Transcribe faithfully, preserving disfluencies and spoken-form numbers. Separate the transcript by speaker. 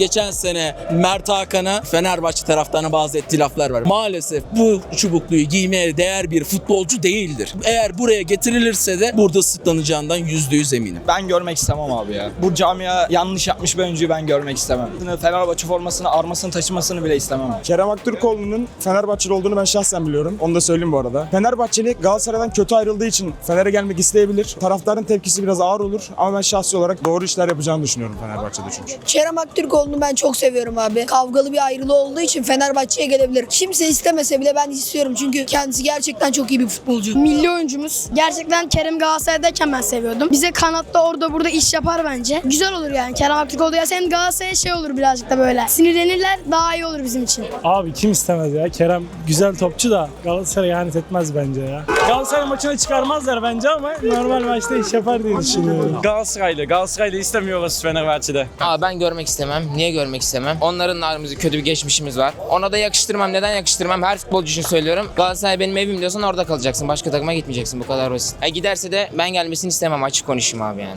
Speaker 1: geçen sene Mert Hakan'a Fenerbahçe taraftarına bazı ettiği laflar var. Maalesef bu çubukluyu giymeye değer bir futbolcu değildir. Eğer buraya getirilirse de burada sırtlanacağından yüzde yüz eminim.
Speaker 2: Ben görmek istemem abi ya. Bu camia yanlış yapmış bir oyuncuyu ben görmek istemem. Fenerbahçe formasını, armasını taşımasını bile istemem.
Speaker 3: Kerem Aktürkoğlu'nun Fenerbahçeli olduğunu ben şahsen biliyorum. Onu da söyleyeyim bu arada. Fenerbahçeli Galatasaray'dan kötü ayrıldığı için Fener'e gelmek isteyebilir. Taraftarın tepkisi biraz ağır olur ama ben şahsi olarak doğru işler yapacağını düşünüyorum Fenerbahçe'de çünkü.
Speaker 4: Kerem Aktürkoğlu'nu ben çok seviyorum abi. Kavgalı bir ayrılığı olduğu için Fenerbahçe'ye gelebilir. Kimse istemese bile ben istiyorum çünkü kendisi gerçekten çok iyi bir futbolcu.
Speaker 5: Milli oyuncumuz. Gerçekten Kerem Galatasaray'dayken ben seviyordum. Bize kanatta orada burada iş yapar bence. Güzel olur yani Kerem Aktürkoğlu. Ya sen Galatasaray'a şey olur birazcık da böyle. Sinirlenirler, daha iyi olur bizim için.
Speaker 6: Abi kim istemez ya? Kerem güzel topçu da Galatasaray'a ihanet etmez bence ya. Galatasaray maçına çıkarmazlar bence ama normal maçta iş yapar diye düşünüyorum.
Speaker 7: Galatasaraylı. Galatasaraylı istemiyoruz Fenerbahçe'de.
Speaker 8: Aa, ben görmek istemem. Niye görmek istemem? Onların aramızda kötü bir geçmişimiz var. Ona da yakıştırmam. Neden yakıştırmam? Her futbolcu için söylüyorum. Galatasaray benim evim diyorsan orada kalacaksın. Başka takıma gitmeyeceksin. Bu kadar basit. E giderse de ben gelmesini istemem. Açık konuşayım abi yani.